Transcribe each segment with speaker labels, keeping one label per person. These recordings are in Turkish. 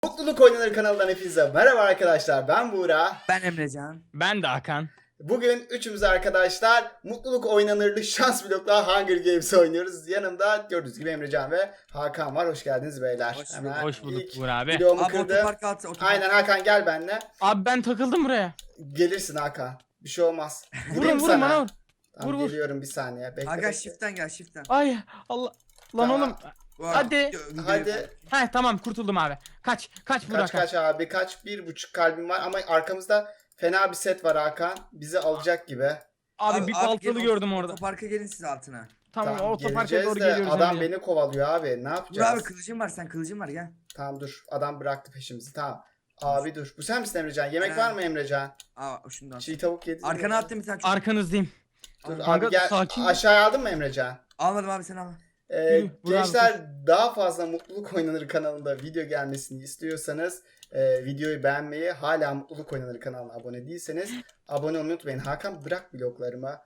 Speaker 1: Mutluluk Oynanır kanalından hepinize merhaba arkadaşlar. Ben Buğra.
Speaker 2: Ben Emrecan.
Speaker 3: Ben de Hakan.
Speaker 1: Bugün üçümüz arkadaşlar Mutluluk Oynanır'lı şans blokla Hunger Games oynuyoruz. Yanımda gördüğünüz gibi Emrecan ve Hakan var. Hoş geldiniz beyler.
Speaker 3: Hoş bulduk
Speaker 1: ilk
Speaker 3: Buğra abi.
Speaker 1: videomu
Speaker 2: Abi
Speaker 1: kırdım.
Speaker 2: otoparka at.
Speaker 1: Aynen Hakan gel benimle.
Speaker 3: Abi ben takıldım buraya.
Speaker 1: Gelirsin Hakan. Bir şey olmaz.
Speaker 3: Vurun vurun bana vur.
Speaker 1: Tamam,
Speaker 3: vur.
Speaker 1: geliyorum bir saniye. Bekle,
Speaker 2: Aga
Speaker 1: bekle.
Speaker 2: shift'ten gel shift'ten.
Speaker 3: Ay Allah. Lan
Speaker 1: Tamam.
Speaker 3: oğlum. Hadi.
Speaker 1: Hadi.
Speaker 3: Heh tamam kurtuldum abi. Kaç Buğra
Speaker 1: Kaç kaç abi kaç. 1,5 kalbim var ama arkamızda fena bir set var Hakan. Bizi alacak gibi.
Speaker 3: Abi bir baltalı
Speaker 2: gelin,
Speaker 3: gördüm orada.
Speaker 2: Otoparka gelin siz altına.
Speaker 3: Tamam
Speaker 1: Tamam,
Speaker 3: otoparka
Speaker 1: geleceğiz
Speaker 3: doğru
Speaker 1: de
Speaker 3: geliyoruz.
Speaker 1: adam
Speaker 3: Emrecan.
Speaker 1: beni kovalıyor abi. Ne
Speaker 2: Dur
Speaker 1: yapacağız?
Speaker 2: abi kılıcım var sen kılıcım var gel.
Speaker 1: Tamam dur. Adam bıraktı peşimizi. Tamam. Abi dur. Bu sen misin Emrecan? Yemek
Speaker 2: Ha.
Speaker 1: var mı Emrecan?
Speaker 2: Aa şundan.
Speaker 1: Çiğ tavuk yedin mi?
Speaker 2: Arkana attım bir tane çok.
Speaker 3: Arkanızdayım.
Speaker 1: Dur
Speaker 2: Kanka,
Speaker 1: abi gel.
Speaker 3: sakin.
Speaker 1: Aşağıya aldın mı Emrecan?
Speaker 2: Almadım abi sen al.
Speaker 3: Yürü, vur abi,
Speaker 1: Gençler daha fazla Mutluluk Oynanır kanalında video gelmesini istiyorsanız videoyu beğenmeyi, hala Mutluluk Oynanır kanalına abone değilseniz abone olmayı unutmayın. Hakan bırak bloklarıma.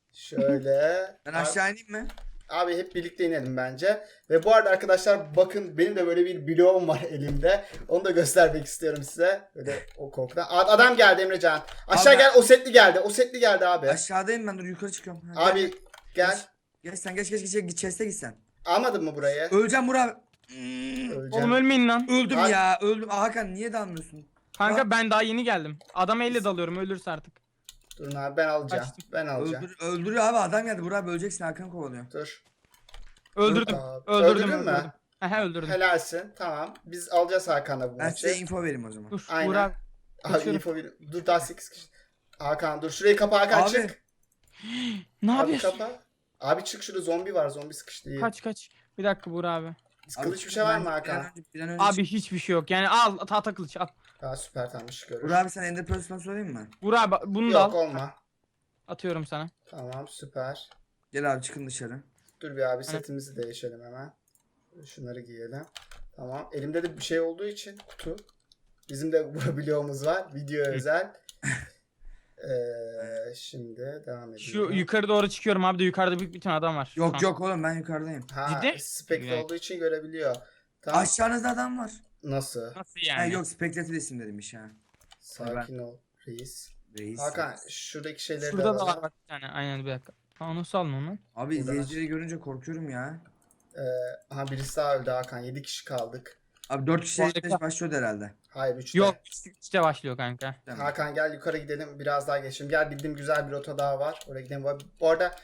Speaker 1: Şöyle.
Speaker 2: Ben aşağı ineyim mi?
Speaker 1: Abi hep birlikte inelim bence. Ve bu arada arkadaşlar bakın benim de böyle bir bloğum var elimde. Onu da göstermek istiyorum size. Böyle o korkudan. Adam geldi Emrecan. Aşağı
Speaker 2: Abi-
Speaker 1: gel, o setli geldi. O setli geldi abi.
Speaker 2: Aşağıdayım ben dur yukarı çıkıyorum. Ha,
Speaker 1: Abi gel.
Speaker 2: Geç sen geç chest'e git sen.
Speaker 1: Almadın mı burayı?
Speaker 2: Öleceğim Burak abi.
Speaker 1: Öleceğim.
Speaker 3: Oğlum ölmeyin lan.
Speaker 2: Öldüm
Speaker 1: Abi-
Speaker 2: ya öldüm. Aa, Hakan niye dalmıyorsun?
Speaker 3: Kanka ben daha yeni geldim. Adam elle dalıyorum ölürse artık.
Speaker 1: Durun abi ben alacağım.
Speaker 3: Kaçtım.
Speaker 1: Ben alacağım.
Speaker 2: Öldürüyor abi adam geldi Burak abi öleceksin Hakan kovalıyor.
Speaker 1: Dur.
Speaker 3: Öldürdüm.
Speaker 1: Abi.
Speaker 3: Öldürdüm.
Speaker 1: Öldürdün mü?
Speaker 3: He öldürdüm.
Speaker 1: Helalsin. Tamam. Biz alacağız Hakan'la bu
Speaker 2: Ben
Speaker 1: maçı.
Speaker 2: size info vereyim o zaman.
Speaker 3: Dur
Speaker 1: Aynen.
Speaker 3: Buğra abi.
Speaker 1: Abi
Speaker 3: kaçıyorum.
Speaker 1: info ver. Dur daha 8 kişi. Hakan dur. Şurayı kapa Hakan
Speaker 2: Abi.
Speaker 1: çık.
Speaker 3: Ne
Speaker 1: Abi
Speaker 3: yapıyorsun?
Speaker 1: kapa. Abi çık şurada zombi var. Zombi sıkıştı. İyi.
Speaker 3: Kaç. Bir dakika Buğra abi.
Speaker 1: Kılıç bir şey var mı Hakan?
Speaker 2: Bir an önce
Speaker 3: Abi hiçbir şey yok. Yani al tahta kılıç al.
Speaker 1: Aa süper tamam iş görür.
Speaker 2: Burak abi sen Ender Pearl'dan sorayım mı?
Speaker 3: Buğra abi bunu da
Speaker 1: Yok
Speaker 3: al.
Speaker 1: olma.
Speaker 3: Atıyorum sana.
Speaker 1: Tamam süper.
Speaker 2: Gel abi çıkın dışarı.
Speaker 1: Dur bir abi setimizi değişelim hemen. Şunları giyelim. Tamam. Elimde de bir şey olduğu için kutu. Bizim de bu bloğumuz var. Video özel. Şimdi devam edelim.
Speaker 3: Şu yukarı doğru çıkıyorum abi de yukarıda bir tane adam var.
Speaker 2: Yok
Speaker 3: Şu an.
Speaker 2: yok oğlum ben yukarıdayım.
Speaker 1: Ha,
Speaker 3: Ciddi?
Speaker 1: Spectre
Speaker 3: Evet.
Speaker 1: olduğu için görebiliyor. Tamam.
Speaker 2: Aşağınızda adam var.
Speaker 1: Nasıl?
Speaker 3: Nasıl
Speaker 2: Ha,
Speaker 3: yani?
Speaker 2: yok Spectre isim demiş ha.
Speaker 1: Sakin ol reis.
Speaker 2: Reis.
Speaker 1: Hakan şuradaki şeyleri
Speaker 3: Şurada
Speaker 1: de
Speaker 3: da var
Speaker 1: alalım.
Speaker 3: bak bir tane. Aynen bir dakika. Aa nasıl aldın onu?
Speaker 2: Abi
Speaker 1: Buradan
Speaker 2: izleyicileri görünce korkuyorum ya.
Speaker 1: Aha birisi daha öldü Hakan. 7 kişi kaldık.
Speaker 2: Abi 4 kişi
Speaker 3: Harika.
Speaker 2: eşleş başlıyordu herhalde.
Speaker 1: Hayır 3'te.
Speaker 3: Yok işte başlıyor kanka.
Speaker 2: Tamam.
Speaker 1: Hakan gel yukarı gidelim. Biraz daha geçelim. Gel bildiğim güzel bir rota daha var. Oraya gidelim. Bu arada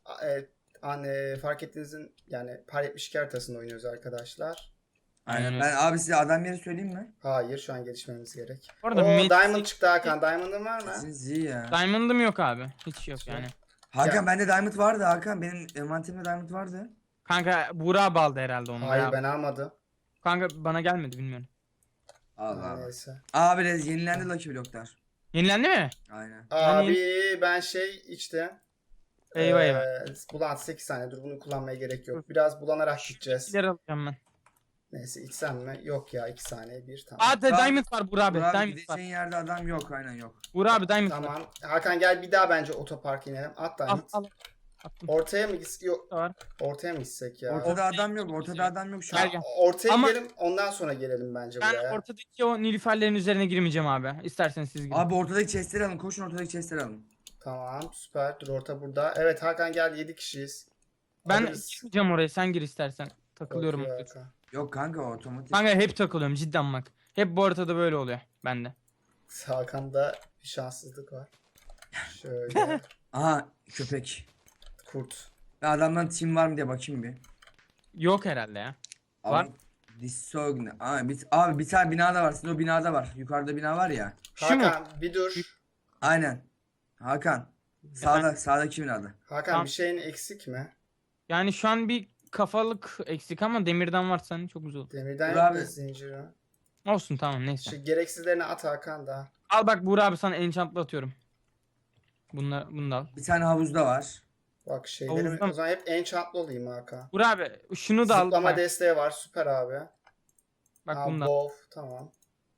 Speaker 1: fark ettiğinizin yani Par 72 haritasında oynuyoruz arkadaşlar.
Speaker 2: Aynen.
Speaker 3: Aynen.
Speaker 2: Ben abi size adam yeri söyleyeyim mi?
Speaker 1: Hayır şu an gelişmemiz gerek.
Speaker 3: Bu arada
Speaker 1: Oo
Speaker 3: Met-
Speaker 1: Diamond çıktı Hakan. Diamond'ın var mı?
Speaker 2: Sizin Z ya.
Speaker 3: Diamond'ım yok abi. Hiç yok yani.
Speaker 2: Hakan
Speaker 1: Ya.
Speaker 2: bende diamond vardı Hakan. Benim envanterimde diamond vardı.
Speaker 3: Kanka Buğra baldı herhalde onu.
Speaker 1: Hayır
Speaker 3: ya.
Speaker 1: ben almadım.
Speaker 3: Kanka bana gelmedi bilmiyorum.
Speaker 2: Allah Allah.
Speaker 1: Neyse.
Speaker 2: Abi yenilendi Lucky Block'lar.
Speaker 3: Yenilendi mi?
Speaker 2: Aynen.
Speaker 1: Abi ben şey içtim.
Speaker 3: Eyvah.
Speaker 1: Bulant 8 saniye dur bunu kullanmaya gerek yok. Biraz bulanarak gideceğiz.
Speaker 3: İleri alacağım ben.
Speaker 1: Neyse içsem mi? Yok ya 2 saniye bir tamam.
Speaker 3: Aa Diamond var Buğra abi.
Speaker 2: Burak abi
Speaker 3: Diamond var.
Speaker 2: gideceğin yerde adam yok aynen yok.
Speaker 3: Buğra abi Diamond var.
Speaker 1: Tamam. Hakan gel bir daha bence otoparka inelim. At
Speaker 3: Al
Speaker 1: Diamond.
Speaker 3: al. Attım.
Speaker 1: Ortaya mı gitsek? Yok.
Speaker 3: Da var.
Speaker 1: Ortaya mı gitsek ya?
Speaker 2: Ortada adam yok. Ortada adam yok şu
Speaker 3: Gel,
Speaker 2: an.
Speaker 3: gel.
Speaker 1: Ortaya
Speaker 3: Ama-
Speaker 1: gidelim ondan sonra gelelim bence
Speaker 3: Ben
Speaker 1: buraya.
Speaker 3: ortadaki o nilüferlerin üzerine girmeyeceğim abi. İsterseniz siz girin.
Speaker 2: Abi ortadaki chestleri alın. Koşun ortadaki chestleri alın.
Speaker 1: Tamam süper. Dur orta burada. Evet Hakan gel 7 kişiyiz.
Speaker 3: Ben
Speaker 1: Alırız.
Speaker 3: girmeyeceğim oraya. Sen gir istersen. Takılıyorum.
Speaker 1: Korkuyor
Speaker 3: orada.
Speaker 1: Hakan.
Speaker 2: Yok kanka o otomatik.
Speaker 3: Kanka hep takılıyorum cidden bak. Hep bu ortada böyle oluyor bende.
Speaker 1: Hakan'da bir şanssızlık var. Şöyle.
Speaker 2: Aha köpek.
Speaker 1: Kurt.
Speaker 2: Ben adamdan team var mı diye bakayım bir.
Speaker 3: Yok herhalde ya.
Speaker 2: Abi,
Speaker 3: Var.
Speaker 2: Disogne. Abi bir tane binada var. Sizin o binada var. Yukarıda bina var ya.
Speaker 3: Şu mu?
Speaker 1: Hakan bir dur.
Speaker 2: Aynen. Hakan. Sağdaki binada.
Speaker 1: Hakan
Speaker 3: Tamam.
Speaker 1: bir şeyin eksik mi?
Speaker 3: Yani şu an bir kafalık eksik ama demirden varsa hani çok güzel olur.
Speaker 1: Demirden
Speaker 2: Dur
Speaker 1: yok
Speaker 2: abi.
Speaker 1: mu zinciri?
Speaker 3: Olsun tamam neyse.
Speaker 1: Şu gereksizlerini at Hakan da.
Speaker 3: Al bak Buğra abi sana enchantlı atıyorum. Bunu da al.
Speaker 2: Bir tane havuzda var.
Speaker 1: Bak şeylerim
Speaker 3: Havuzda mı?
Speaker 1: o zaman hep enchantlı olayım Hakan.
Speaker 3: Buğra abi şunu da al.
Speaker 1: Zıplama
Speaker 3: Bak,
Speaker 1: desteği var süper abi.
Speaker 3: bak bunu da al.
Speaker 1: Bow tamam.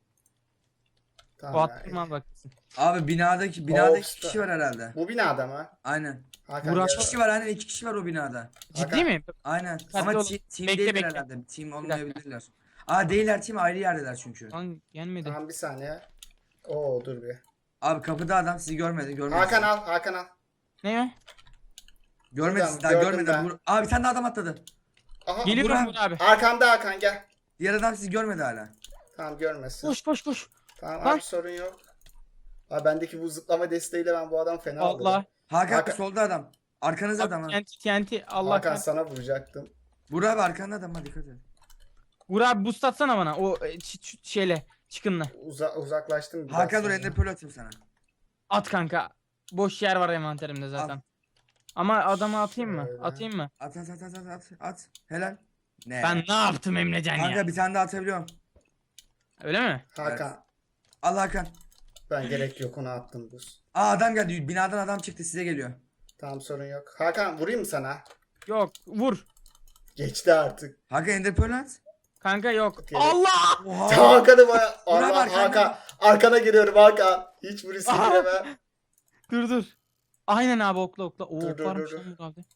Speaker 3: Bu
Speaker 1: Tamam ya.
Speaker 3: attım al bak.
Speaker 2: Abi binadaki
Speaker 1: Of,
Speaker 2: iki kişi var herhalde.
Speaker 1: Bu binada mı?
Speaker 2: Aynen.
Speaker 1: Hakan
Speaker 3: Burak-
Speaker 1: gel.
Speaker 2: İki kişi var aynen 2 kişi var o binada.
Speaker 3: Ciddi
Speaker 1: Hakan-
Speaker 3: mi?
Speaker 2: Aynen.
Speaker 3: Hadi
Speaker 2: Ama
Speaker 3: oğlum.
Speaker 2: team
Speaker 3: Bekle,
Speaker 2: değiller
Speaker 3: bekle.
Speaker 2: herhalde. Team olmayabilirler. Aa değiller team ayrı yerdeler çünkü.
Speaker 3: Lan gelmedi.
Speaker 1: Tamam bir saniye. Oo dur bir.
Speaker 2: Abi kapıda adam sizi görmedi.
Speaker 1: Hakan al, Hakan al.
Speaker 3: Ne o?
Speaker 2: Görmedi
Speaker 1: Buradan
Speaker 2: sizi daha
Speaker 1: gördüm
Speaker 2: görmedi.
Speaker 1: ben.
Speaker 2: Abi bir tane daha adam atladı.
Speaker 1: Aha.
Speaker 3: Geliyorum
Speaker 2: Burak.
Speaker 3: Burak abi.
Speaker 1: Arkamda Hakan gel.
Speaker 2: Diğer adam sizi görmedi hala.
Speaker 1: Tamam görmesin.
Speaker 3: Koş koş koş.
Speaker 1: Tamam
Speaker 3: Lan.
Speaker 1: abi sorun yok. Abi bendeki bu zıplama desteğiyle ben bu adam fena
Speaker 3: Allah.
Speaker 1: aldım.
Speaker 2: Hakan,
Speaker 1: Hakan-
Speaker 2: solda adam. Arkanızda adam ha.
Speaker 3: Abi TNT Allah
Speaker 1: Hakan
Speaker 3: kahretsin.
Speaker 1: sana vuracaktım.
Speaker 2: Burak abi arkanda adam ha dikkat et.
Speaker 3: Burak abi boost atsana bana o şeyle çıkınla.
Speaker 1: Uzaklaştım biraz
Speaker 2: Hakan dur
Speaker 1: sonra.
Speaker 2: ender pearl atayım sana.
Speaker 3: At kanka. Boş yer var envanterimde zaten. Ama adamı atayım mı?
Speaker 1: Şöyle.
Speaker 3: Atayım mı?
Speaker 2: At. Helal. Ne?
Speaker 3: Ben ne yaptım Emrecan
Speaker 2: Kanka
Speaker 3: ya?
Speaker 2: bir tane daha atabiliyorum.
Speaker 3: Öyle mi?
Speaker 1: Hakan
Speaker 2: Al Hakan.
Speaker 1: ben gerek yok ona attım buz.
Speaker 2: Aa adam geldi. Binadan adam çıktı size geliyor.
Speaker 1: Tamam sorun yok. Hakan vurayım mı sana?
Speaker 3: Yok vur.
Speaker 1: Geçti artık.
Speaker 2: Hakan ender pearl at.
Speaker 3: Kanka yok.
Speaker 1: Gerek-
Speaker 3: Allah!
Speaker 2: Oha.
Speaker 1: Hakan'ı baya...
Speaker 2: Burak
Speaker 1: Allah
Speaker 2: arkanda.
Speaker 1: Hakan. Arkana giriyorum Hakan. Hiç bu riske
Speaker 3: Aha.
Speaker 1: giremem.
Speaker 3: Dur. Aynen abi okla. Oo
Speaker 1: Dur,
Speaker 3: varmış
Speaker 1: dur.
Speaker 3: lan bu abi.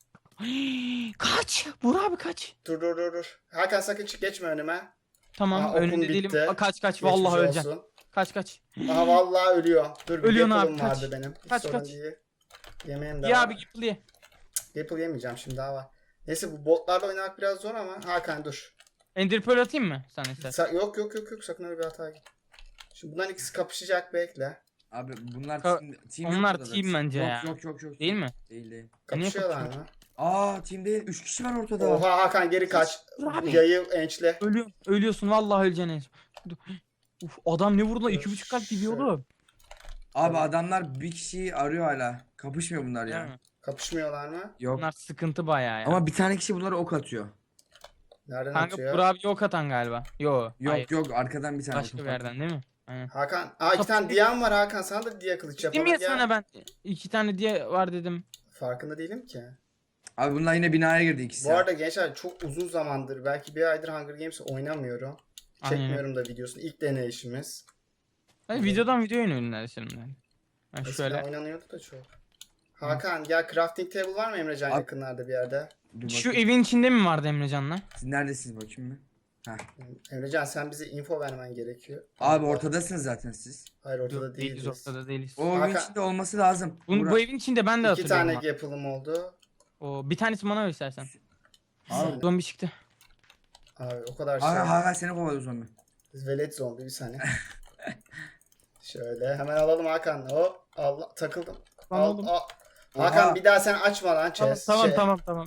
Speaker 3: Kaç. Burak abi kaç.
Speaker 1: Dur. Hakan sakın çık geçme önüme.
Speaker 3: Tamam
Speaker 1: Aha, okun
Speaker 3: önünde değilim.
Speaker 1: bitti.
Speaker 3: Kaç
Speaker 1: Geçmiş
Speaker 3: vallahi öleceğim.
Speaker 1: olsun.
Speaker 3: Kaç.
Speaker 1: Aha vallahi ölüyor. Dur bir
Speaker 3: Ölüyorsun
Speaker 1: Gapple'ım
Speaker 3: abi, kaç.
Speaker 1: vardı benim. Hiç
Speaker 3: Kaç,
Speaker 1: sorun
Speaker 3: kaç.
Speaker 1: değil. Yemeğim de
Speaker 3: Ya
Speaker 1: var.
Speaker 3: abi Gipple ye.
Speaker 1: Gapple yemeyeceğim şimdi daha var. Neyse bu botlarla oynamak biraz zor ama Hakan dur.
Speaker 3: Ender Pearl atayım mı sen istersen?
Speaker 1: Yok sakın öyle bir hata git. Şimdi bunların ikisi kapışacak bekle.
Speaker 2: Abi bunlar
Speaker 3: Ka-
Speaker 2: team yok
Speaker 3: onlar
Speaker 2: burada
Speaker 3: team
Speaker 2: zaten.
Speaker 3: bence
Speaker 2: yok,
Speaker 3: ya.
Speaker 2: Yok.
Speaker 3: Değil mi?
Speaker 2: Değil.
Speaker 1: Kapışıyorlar
Speaker 3: kapışıyor?
Speaker 1: mı?
Speaker 2: Aa team değil. 3 kişi var ortada.
Speaker 1: Oha Hakan geri kaç.
Speaker 3: Abi.
Speaker 1: Yayı ençle.
Speaker 3: Ölüyorsun vallahi öleceksin en son. Dur. Uf adam ne vurdu lan? 2,5 kalp gidiyor
Speaker 1: Şöyle.
Speaker 3: oğlum.
Speaker 2: Abi adamlar bir kişiyi arıyor hala. Kapışmıyor bunlar ya.
Speaker 3: Değil mi?
Speaker 1: Kapışmıyorlar mı?
Speaker 2: Yok.
Speaker 3: Bunlar sıkıntı bayağı ya.
Speaker 2: Ama bir tane kişi bunlara ok atıyor.
Speaker 1: Nereden
Speaker 3: Kanka
Speaker 1: atıyor?
Speaker 3: Burak abi yok atan galiba. Yo. Hayır.
Speaker 2: Yok arkadan bir tane
Speaker 3: Başka bir
Speaker 2: otopark.
Speaker 3: yerden değil mi? Aynen.
Speaker 1: Hakan. Iki tane diyan var Hakan. Sana da diye kılıç
Speaker 3: Dedim
Speaker 1: yapalım.
Speaker 3: ya
Speaker 1: Gel.
Speaker 3: sana ben 2 tane diye var dedim.
Speaker 1: Farkında değilim ki.
Speaker 2: Abi bunlar yine binaya girdi ikisi.
Speaker 1: Bu arada gençler çok uzun zamandır belki bir aydır Hunger Games oynamıyorum.
Speaker 3: Aynen.
Speaker 1: Çekmiyorum da videosunu. İlk deneyişimiz.
Speaker 3: Hani videodan videoya oynuyorum şimdi. Ben
Speaker 1: Eskiden
Speaker 3: şöyle.
Speaker 1: oynanıyordu da çok. Hakan gel crafting table var mı Emrecan
Speaker 2: Abi-
Speaker 1: yakınlarda bir yerde?
Speaker 2: Dur
Speaker 3: Şu
Speaker 2: bakayım.
Speaker 3: evin içinde mi vardı Emrecan'la?
Speaker 2: Siz neredesiniz bakayım mı?
Speaker 1: Emrecan sen bize info vermen gerekiyor.
Speaker 2: Abi ortadasınız zaten siz.
Speaker 1: Hayır ortada
Speaker 3: Yok değiliz
Speaker 1: değiliz.
Speaker 3: ortada değiliz.
Speaker 2: O evin
Speaker 1: Hakan-
Speaker 2: içinde olması lazım.
Speaker 3: Bu evin içinde ben de
Speaker 1: İki
Speaker 3: hatırlıyorum.
Speaker 1: tane
Speaker 3: Tane...
Speaker 1: yapılım oldu.
Speaker 3: O bir tanesi bana ver istersen.
Speaker 1: Abi,
Speaker 3: Zombi çıktı.
Speaker 1: abi o kadar şey.
Speaker 2: Hala seni kovalıyor zombi.
Speaker 1: Velet zombi bir saniye. Şöyle hemen alalım Hakan. Hop Allah takıldım.
Speaker 3: Lan oğlum.
Speaker 1: Hakan
Speaker 2: Oha.
Speaker 1: bir daha sen açma lan
Speaker 3: Tamam
Speaker 1: chest.
Speaker 3: tamam.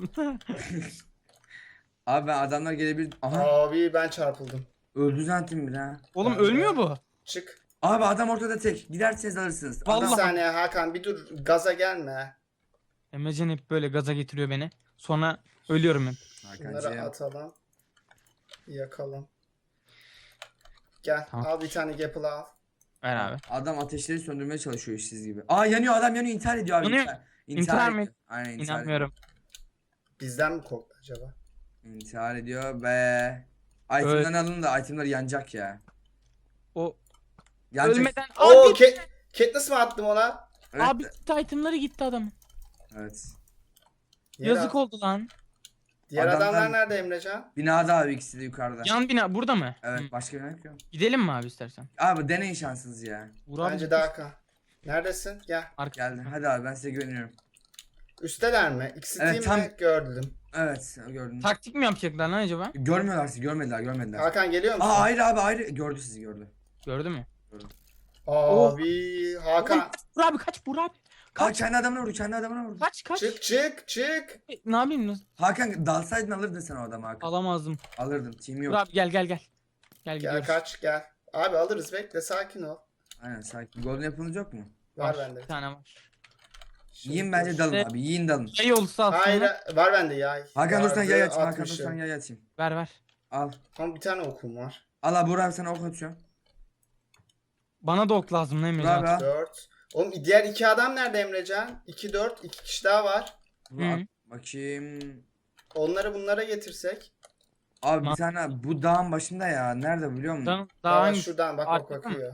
Speaker 2: Abi ben adamlar gelebilir. Aha
Speaker 1: Abi ben çarpıldım.
Speaker 2: öldü zannettim bir ha.
Speaker 3: Oğlum
Speaker 1: Ben de-
Speaker 3: ölmüyor bu.
Speaker 1: Çık.
Speaker 2: Abi adam ortada tek. Giderseniz alırsınız.
Speaker 1: Bir
Speaker 3: Vallahi.
Speaker 1: saniye Hakan bir dur gaza gelme.
Speaker 3: Emrecan hep böyle gaza getiriyor beni. Sonra ölüyorum hep.
Speaker 1: Bunları
Speaker 2: Hakan'cığım.
Speaker 1: atalım. Yakalım. Gel
Speaker 3: Tamam.
Speaker 1: al bir tane gapple al.
Speaker 3: Ver abi.
Speaker 2: Adam ateşleri söndürmeye çalışıyor işsiz gibi. Aa yanıyor adam yanıyor intihar ediyor abi.
Speaker 3: Yanıyor.
Speaker 2: İntihar
Speaker 3: mi?
Speaker 2: ediyor. Aynen intihar ediyor.
Speaker 3: İnanmıyorum.
Speaker 1: Bizden mi korktu acaba?
Speaker 2: İntihar ediyor be. Item'dan alın da itemler yanacak ya.
Speaker 3: O
Speaker 2: Yanacak.
Speaker 3: ölmeden
Speaker 1: Oo
Speaker 3: abi
Speaker 1: Katniss mı attım ona?
Speaker 2: Evet.
Speaker 3: abi itemları gitti adamın.
Speaker 2: Evet.
Speaker 1: Diğer,
Speaker 3: Yazık oldu lan.
Speaker 1: diğer
Speaker 2: Adamlar-
Speaker 1: adamlar nerede Emrecan?
Speaker 2: Binada abi ikisi de yukarıda.
Speaker 3: Yan bina burada mı?
Speaker 2: Evet
Speaker 3: Hı.
Speaker 2: başka bir yer yok ya.
Speaker 3: Gidelim mi abi istersen?
Speaker 2: Abi deneyin şansınız ya.
Speaker 3: Vur abi.
Speaker 1: Bence de Hakan. Neredesin? Gel.
Speaker 2: Geldi. Hadi abi ben size güveniyorum.
Speaker 1: Üsteler mi? İkisi
Speaker 2: Evet,
Speaker 1: değil
Speaker 2: tam-
Speaker 1: mi? Gördüm.
Speaker 2: Evet gördüm.
Speaker 3: Taktik mi yapacaklar lan acaba?
Speaker 2: Görmüyorlar sizi görmediler.
Speaker 1: Hakan geliyor musun?
Speaker 2: Aa ayrı abi ayrı. Gördü sizi gördü.
Speaker 3: Gördü mü?
Speaker 1: Abi Hakan.
Speaker 3: Oğlum, Vur abi kaç vur abi.
Speaker 2: Aa
Speaker 3: Kaç
Speaker 2: kendi adamına vurdu kendi adamına vurdu.
Speaker 3: kaç.
Speaker 1: Çık.
Speaker 3: Ne yapayım?
Speaker 2: Hakan dalsaydın alırdın sen o adamı Hakan.
Speaker 3: Alamazdım.
Speaker 2: Alırdın. Team
Speaker 3: Vur
Speaker 2: yok.
Speaker 3: abi gel. Gel
Speaker 1: Gel
Speaker 3: gidiyoruz.
Speaker 1: kaç gel. Abi alırız bekle sakin ol.
Speaker 2: Aynen sakin. Golden yapılınız yok mu?
Speaker 1: Var
Speaker 3: Var,
Speaker 1: bende.
Speaker 3: bir tane var.
Speaker 2: Yiyin bence dalın
Speaker 3: Evet.
Speaker 2: abi. Yiyin dalın.
Speaker 3: Yay olsa aslında.
Speaker 1: Hayır var bende ya.
Speaker 2: Hakan dur sen
Speaker 1: Vardı,
Speaker 2: yay atayım. Hakan dur
Speaker 1: 60'ı.
Speaker 2: sen yay atayım.
Speaker 3: Ver.
Speaker 2: Al.
Speaker 1: Ama bir tane okum var.
Speaker 2: Al abi Burak abi sana ok atıyorum.
Speaker 3: Bana da ok lazım ne
Speaker 2: Burak abi
Speaker 3: Emrecan?
Speaker 2: al.
Speaker 1: 4. Oğlum diğer iki adam nerede Emrecan? 2 4 2 kişi daha var.
Speaker 2: Burak,
Speaker 3: Hı.
Speaker 2: bakayım.
Speaker 1: Onları bunlara getirsek.
Speaker 2: Abi bir
Speaker 3: Ma-
Speaker 2: tane bu dağın başında ya. Nerede biliyor musun?
Speaker 3: Daha
Speaker 1: Daha
Speaker 3: hangi?
Speaker 1: şuradan bak
Speaker 3: Arkada mı?
Speaker 1: bakıyor.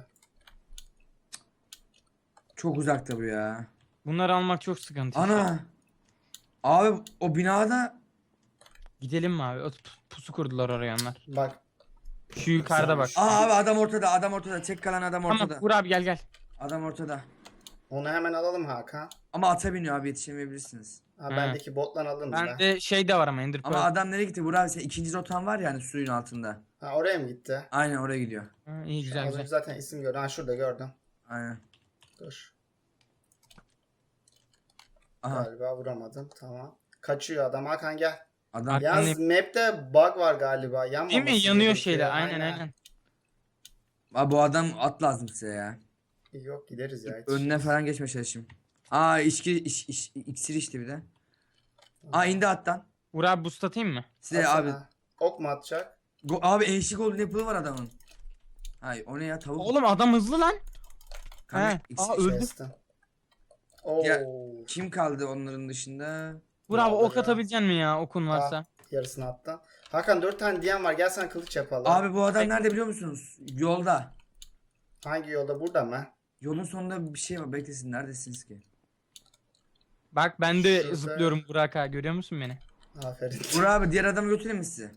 Speaker 2: Çok uzakta bu ya.
Speaker 3: Bunları almak çok sıkıntı.
Speaker 2: Ana. Abi o binada
Speaker 3: Gidelim mi abi? Pusu kurdular oraya onlar.
Speaker 1: Bak
Speaker 3: Şu yukarıda bak.
Speaker 1: Güzelmiş.
Speaker 2: Abi adam ortada, adam ortada. Tek kalan adam ortada.
Speaker 3: Tamam Uğur abi gel.
Speaker 2: Adam ortada.
Speaker 1: Onu hemen alalım Hakan.
Speaker 2: Ama ata biniyor abi, yetişemeyebilirsiniz.
Speaker 1: Ha,
Speaker 3: He.
Speaker 1: bendeki bottan alırım ben.
Speaker 3: Bende şey de var ama Ender
Speaker 2: Ama
Speaker 3: Pearl.
Speaker 2: adam nereye gitti? Burak abi, sen ikinci rotan var ya hani suyun altında.
Speaker 1: Ha, oraya mı gitti?
Speaker 2: Aynen oraya gidiyor.
Speaker 3: Ha, iyi
Speaker 1: Az
Speaker 3: güzel
Speaker 1: önce
Speaker 3: güzel.
Speaker 1: zaten isim gördüm. Ha, şurada gördüm.
Speaker 2: Aynen.
Speaker 1: Dur.
Speaker 2: Aha.
Speaker 1: Galiba vuramadım. Tamam. Kaçıyor adam. Hakan gel.
Speaker 2: Adam
Speaker 3: Arka-
Speaker 1: Yalnız map'te bug var galiba.
Speaker 3: Değil
Speaker 1: Yanmaması
Speaker 3: mi? Yanıyor
Speaker 1: gerekiyor.
Speaker 3: şeyler. Aynen.
Speaker 2: Abi bu adam at lazım size ya.
Speaker 1: Yok gideriz ya.
Speaker 2: Önüne falan geçme çalışayım. Aa iksir içti bir de. Aa indi attan.
Speaker 3: Uğur abi boost atayım mı?
Speaker 2: Size
Speaker 1: Atsana.
Speaker 2: abi.
Speaker 1: Ok mu atacak?
Speaker 2: Abi eşlik golden apple'ı var adamın. Hay o ne ya, tavuk.
Speaker 3: Oğlum adam hızlı lan.
Speaker 2: Kanka,
Speaker 3: he.
Speaker 2: iksir-
Speaker 3: Aa, öldü.
Speaker 1: Kestim. Oo.
Speaker 2: Ya- Kim kaldı onların dışında?
Speaker 3: Uğur abi ok
Speaker 1: Ya.
Speaker 3: atabilecek mi ya okun varsa?
Speaker 1: Yarısını attın. Hakan 4 tane diyen var. Gel sen kılıç yapalım.
Speaker 2: Abi bu adam nerede biliyor musunuz? Yolda.
Speaker 1: Hangi yolda? Burada mı?
Speaker 2: Yolun sonunda bir şey var. Beklesin, neredesiniz ki?
Speaker 3: Bak ben de
Speaker 1: Şurada-
Speaker 3: zıplıyorum Burak abi, görüyor musun beni?
Speaker 1: Aferin.
Speaker 2: Burak abi diğer adamı götüreyim mi size?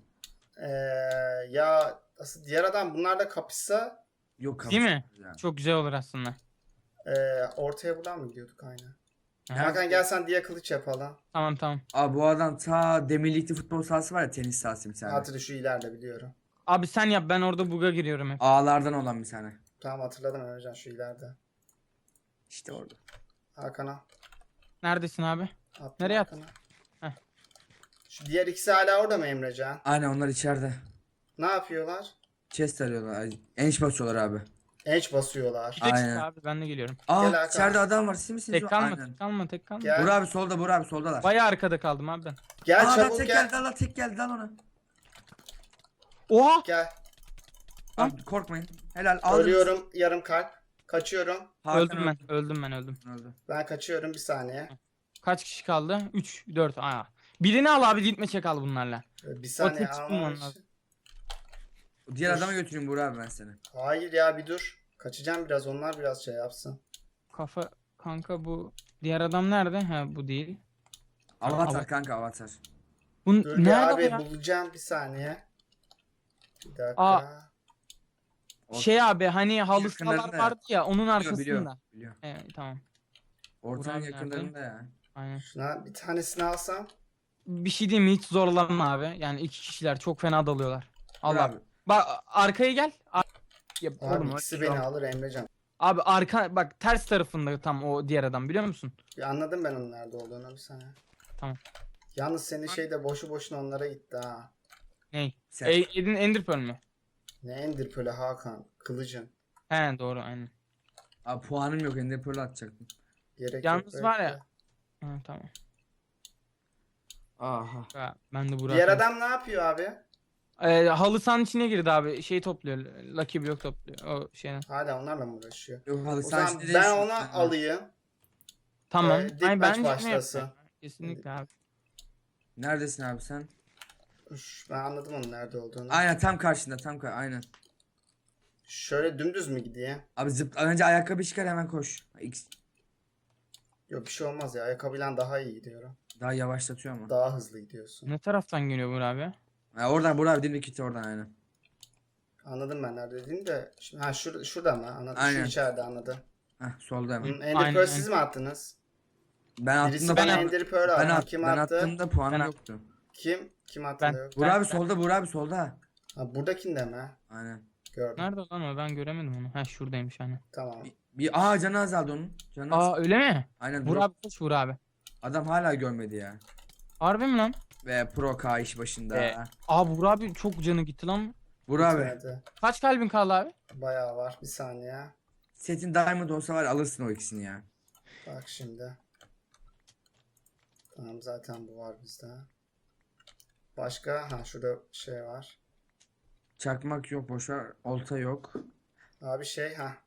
Speaker 1: Ya asıl diğer adam bunlarla kapışsa
Speaker 2: Yok
Speaker 3: Değil mi?
Speaker 2: Ya.
Speaker 3: Çok güzel olur aslında.
Speaker 1: ortaya buradan mı gidiyorduk aynen.
Speaker 3: Aha.
Speaker 1: Hakan gel sen diye kılıç yapalım.
Speaker 3: Tamam.
Speaker 2: Abi bu adam ta Demirlik'te futbol sahası var ya, tenis sahası bir tane.
Speaker 1: Hatırlı şu ileride biliyorum.
Speaker 3: Abi sen yap, ben orada bug'a giriyorum hep.
Speaker 2: Ağlardan olan bir tane.
Speaker 1: Tamam hatırladım Emrecan şu ileride.
Speaker 2: İşte orada.
Speaker 1: Hakan'a.
Speaker 3: Neredesin abi?
Speaker 1: Attım
Speaker 3: Nereye
Speaker 1: Hakan'a.
Speaker 3: Heh.
Speaker 1: Şu diğer ikisi hala orada mı Emrecan?
Speaker 2: Aynen, onlar içeride.
Speaker 1: Ne yapıyorlar?
Speaker 2: Chest arıyorlar. Enç basıyorlar abi.
Speaker 1: Enç basıyorlar.
Speaker 3: Bir dakika
Speaker 2: Aynen.
Speaker 3: abi, ben de geliyorum.
Speaker 2: Aa
Speaker 1: Gel Hakan.
Speaker 2: içeride adam var. Siz misiniz?
Speaker 3: Tek kalma,
Speaker 2: Aynen.
Speaker 3: tek kalma.
Speaker 1: Gel.
Speaker 2: Burak abi solda, Burak abi soldalar.
Speaker 3: Bayağı arkada kaldım abi ben.
Speaker 1: Gel
Speaker 2: Aa adam
Speaker 1: çabuk
Speaker 2: tek
Speaker 1: gel.
Speaker 2: geldi lan, tek geldi lan ona.
Speaker 3: Oha!
Speaker 1: Gel.
Speaker 2: Abi korkmayın. Helal aldınız.
Speaker 1: Ölüyorum yarım kalp. Kaçıyorum.
Speaker 2: Hakan
Speaker 3: Öldüm ben.
Speaker 2: öldü.
Speaker 1: Ben kaçıyorum bir saniye.
Speaker 3: Kaç kişi kaldı? 3, 4. Aa. Birini al abi, gitme çek al bunlarla.
Speaker 1: Bir saniye
Speaker 3: tek tutmam
Speaker 1: almam
Speaker 3: lazım.
Speaker 1: için.
Speaker 2: Diğer
Speaker 1: Dur.
Speaker 2: adama götüreyim Burak abi ben seni.
Speaker 1: Hayır ya bir dur. Kaçacağım biraz onlar biraz şey yapsın.
Speaker 3: Kafa kanka, bu diğer adam nerede? Ha, bu değil.
Speaker 2: Avatar
Speaker 3: Ava-
Speaker 2: kanka, avatar.
Speaker 3: Bu
Speaker 1: Dur bir
Speaker 3: nerede bu
Speaker 1: abi
Speaker 3: ya?
Speaker 1: bulacağım bir saniye. Bir dakika.
Speaker 3: Aa. Şey abi, hani halı
Speaker 2: yakınlarında
Speaker 3: sahalar
Speaker 2: ya.
Speaker 3: vardı ya, onun arkasında.
Speaker 2: Biliyor.
Speaker 3: Tamam.
Speaker 2: Ortanın
Speaker 3: Burak
Speaker 2: yakınlarında ya.
Speaker 3: Aynen.
Speaker 1: Şuna bir tanesini alsam.
Speaker 3: Bir şey diyeyim mi? Hiç zorlanma abi. Yani iki kişiler çok fena dalıyorlar.
Speaker 2: Burak
Speaker 3: Allah.
Speaker 2: abi.
Speaker 3: Bak arkaya gel. Ya,
Speaker 1: Abi
Speaker 3: oğlum,
Speaker 1: ikisi
Speaker 3: öyle
Speaker 1: beni
Speaker 3: şey
Speaker 1: alır Emrecan.
Speaker 3: Abi arka bak, ters tarafında tam o diğer adam, biliyor musun?
Speaker 1: Bir anladım ben onun nerede olduğunu bir saniye.
Speaker 3: Tamam.
Speaker 1: Yalnız senin şey de boşu boşuna onlara gitti ha.
Speaker 3: Ney?
Speaker 2: Sen.
Speaker 3: Edin Ender Pearl mü?
Speaker 1: Ne Ender Pearl'ü Hakan. Kılıcın.
Speaker 3: He doğru, aynen.
Speaker 2: Abi puanım yok, Ender Pearl atacaktım.
Speaker 1: Gerek
Speaker 3: Yalnız
Speaker 1: yok.
Speaker 3: var
Speaker 1: bekle.
Speaker 3: ya. Ha, tamam.
Speaker 2: Aha.
Speaker 3: Ha, ben de Burak.
Speaker 1: Diğer adam ne yapıyor abi?
Speaker 3: Halı sahanın içine girdi abi. Şey topluyor. Lucky Block topluyor. O şeyden.
Speaker 1: Hala onlarla mı uğraşıyor?
Speaker 2: Yok halı
Speaker 1: O
Speaker 2: saha
Speaker 1: zaman
Speaker 2: içinde
Speaker 1: ben
Speaker 2: değilsin.
Speaker 1: ona alayım.
Speaker 3: Tamam.
Speaker 1: Dik
Speaker 3: Ay,
Speaker 1: maç
Speaker 3: bence ne
Speaker 1: başlasın.
Speaker 3: yapayım? Kesinlikle abi.
Speaker 2: Neredesin abi sen?
Speaker 1: Ben anladım onun nerede olduğunu.
Speaker 2: Aynen tam karşında, aynen.
Speaker 1: Şöyle dümdüz mü gideyim?
Speaker 2: Abi önce ayakkabı çıkar, hemen koş.
Speaker 1: Yok bir şey olmaz ya. Ayakkabıyla daha iyi gidiyorum.
Speaker 2: Daha yavaşlatıyor ama.
Speaker 1: Daha hızlı gidiyorsun.
Speaker 3: Ne taraftan geliyor Burak abi?
Speaker 2: Ha, oradan Burak abi dimdik gitti oradan aynen.
Speaker 1: Anladım ben nerede dediğini de. Şimdi, ha şurada mı? Anladım.
Speaker 2: Aynen.
Speaker 1: Şu içeride anladım.
Speaker 2: Heh solda hemen.
Speaker 1: Ender
Speaker 3: Aynen,
Speaker 1: Pearl siz mi attınız?
Speaker 2: Ben
Speaker 1: Birisi
Speaker 2: attığımda
Speaker 1: bana
Speaker 2: bana
Speaker 1: Ender Pearl attı. Kim
Speaker 2: ben
Speaker 1: attı?
Speaker 2: attığımda puanım
Speaker 3: Ben
Speaker 2: yoktu.
Speaker 1: Kim? Kim attı
Speaker 3: Ben.
Speaker 1: da yok?
Speaker 2: Burak abi solda, Burak abi solda.
Speaker 1: Ha, buradakinde mi?
Speaker 2: Aynen.
Speaker 1: Gördüm.
Speaker 3: Nerede lan o? Ben göremedim onu. Ha, şuradaymış hani.
Speaker 1: Tamam.
Speaker 2: Canı azaldı onun. Canı
Speaker 3: Aa, öyle mi?
Speaker 2: Aynen
Speaker 3: Burak abi koş, Burak abi.
Speaker 2: adam hala görmedi ya.
Speaker 3: Harbi mi lan?
Speaker 2: Ve Pro K iş başında.
Speaker 3: Aa, Burak abi çok canı gitti lan.
Speaker 2: Burak abi
Speaker 1: Bitmedi.
Speaker 3: Kaç kalbin kaldı abi?
Speaker 1: Bayağı var. Bir saniye.
Speaker 2: setin Diamond olsa var ya, alırsın o ikisini ya.
Speaker 1: Bak şimdi. Tamam zaten bu var bizde. Başka? Ha şurada şey var.
Speaker 2: Çakmak yok, boşver. Olta yok.
Speaker 1: Abi şey ha.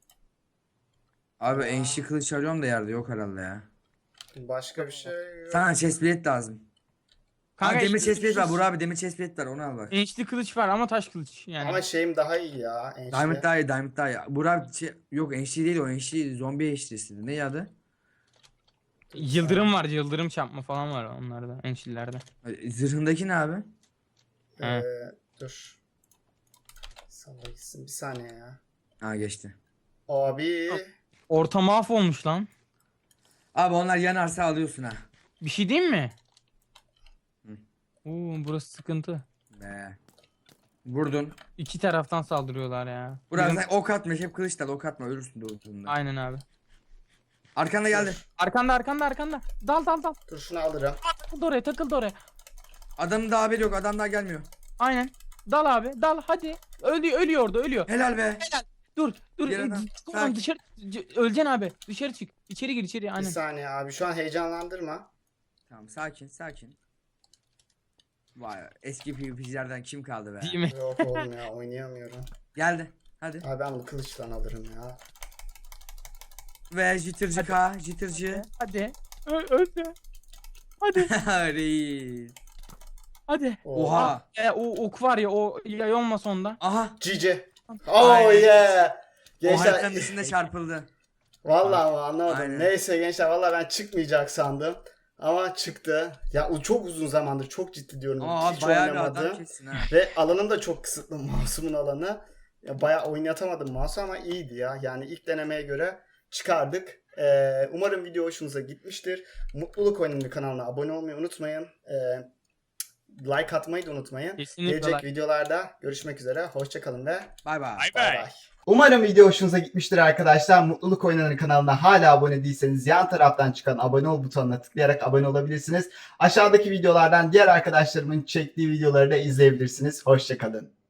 Speaker 2: Abi enşi kılıç arıyorum da yerde yok herhalde ya.
Speaker 1: Başka bir şey yok.
Speaker 2: Sana chestplate lazım.
Speaker 3: Kanka,
Speaker 2: Demir
Speaker 3: işte
Speaker 2: chestplate var
Speaker 3: şu-
Speaker 2: Burak abi, demir chestplate var, onu al bak.
Speaker 3: Enişli kılıç var ama taş kılıç yani.
Speaker 1: Ama şeyim daha iyi ya. Enişte.
Speaker 2: Diamond daha iyi, Diamond daha iyi. Burak abi yok enşi değil, o enşi zombi enşisiydi. Ne adı?
Speaker 3: Yıldırım var, yıldırım çarpma falan var onlarda, enişlilerde.
Speaker 2: Zırhındaki ne abi?
Speaker 3: He.
Speaker 1: Dur. Salla gitsin bir saniye ya.
Speaker 2: Ha geçti.
Speaker 1: Abi.
Speaker 3: Orta mahvolmuş lan.
Speaker 2: Abi onlar yanarsa alıyorsun ha.
Speaker 3: Bir şey diyeyim mi?
Speaker 2: Hı.
Speaker 3: Oo, burası sıkıntı.
Speaker 2: Be. Vurdun.
Speaker 3: İki taraftan saldırıyorlar ya.
Speaker 2: Burası
Speaker 3: Bizim-
Speaker 2: ok atma, hep kılıçla ok atma, ölürsün doğduğunda.
Speaker 3: Aynen abi.
Speaker 2: Arkanda geldi.
Speaker 3: Arkanda. Dal.
Speaker 1: Dur şunu alırım.
Speaker 3: Takıldı oraya.
Speaker 2: Adamın daha haberi yok, adam daha gelmiyor.
Speaker 3: Aynen. Dal abi dal hadi. Ölüyor orada ölüyor.
Speaker 2: Helal be.
Speaker 3: Dur.
Speaker 2: Bir adam.
Speaker 3: Tamam
Speaker 2: Sakin.
Speaker 3: dışarı. Öleceksin abi. Dışarı çık. İçeri gir içeri
Speaker 1: Bir
Speaker 3: aynen.
Speaker 1: saniye abi. Şu an heyecanlandırma.
Speaker 2: Tamam sakin. Vay eski PvP'cilerden kim kaldı be?
Speaker 3: Değil mi?
Speaker 1: Yok oğlum ya oynayamıyorum.
Speaker 2: Geldi. Hadi.
Speaker 1: Abi ben bunu kılıçla alırım ya.
Speaker 2: Ve jittercı K, jittercı.
Speaker 3: Hadi. Öldü. Hadi.
Speaker 2: Reis.
Speaker 3: Hadi.
Speaker 2: Oha.
Speaker 3: O ok var ya o yay olmasa onda.
Speaker 2: Aha.
Speaker 1: Cici. Oh
Speaker 2: Aynen.
Speaker 1: yeah.
Speaker 2: O haritanın
Speaker 1: Gençler
Speaker 2: dışında çarpıldı.
Speaker 1: vallahi ama anlamadım.
Speaker 2: Aynen.
Speaker 1: Neyse gençler vallahi ben çıkmayacak sandım. Ama çıktı. Ya o çok uzun zamandır çok ciddi diyorum.
Speaker 2: Aa
Speaker 1: Hiç
Speaker 2: bayağı bir adam
Speaker 1: oynamadım.
Speaker 2: kessin ha.
Speaker 1: Ve alanım da çok kısıtlı mouse'umun alanı. Ya bayağı oynatamadım mouse'u ama iyiydi ya. Yani ilk denemeye göre çıkardık. Umarım video hoşunuza gitmiştir. Mutluluk Oyunları kanalına abone olmayı unutmayın. Like atmayı da unutmayın.
Speaker 3: Kesinlikle
Speaker 1: Gelecek
Speaker 3: like.
Speaker 1: videolarda görüşmek üzere. Hoşçakalın ve
Speaker 2: Bay bay.
Speaker 1: bay bay. Umarım video hoşunuza gitmiştir arkadaşlar. Mutluluk Oyunları kanalına hala abone değilseniz yan taraftan çıkan abone ol butonuna tıklayarak abone olabilirsiniz. Aşağıdaki videolardan diğer arkadaşlarımın çektiği videoları da izleyebilirsiniz. Hoşçakalın.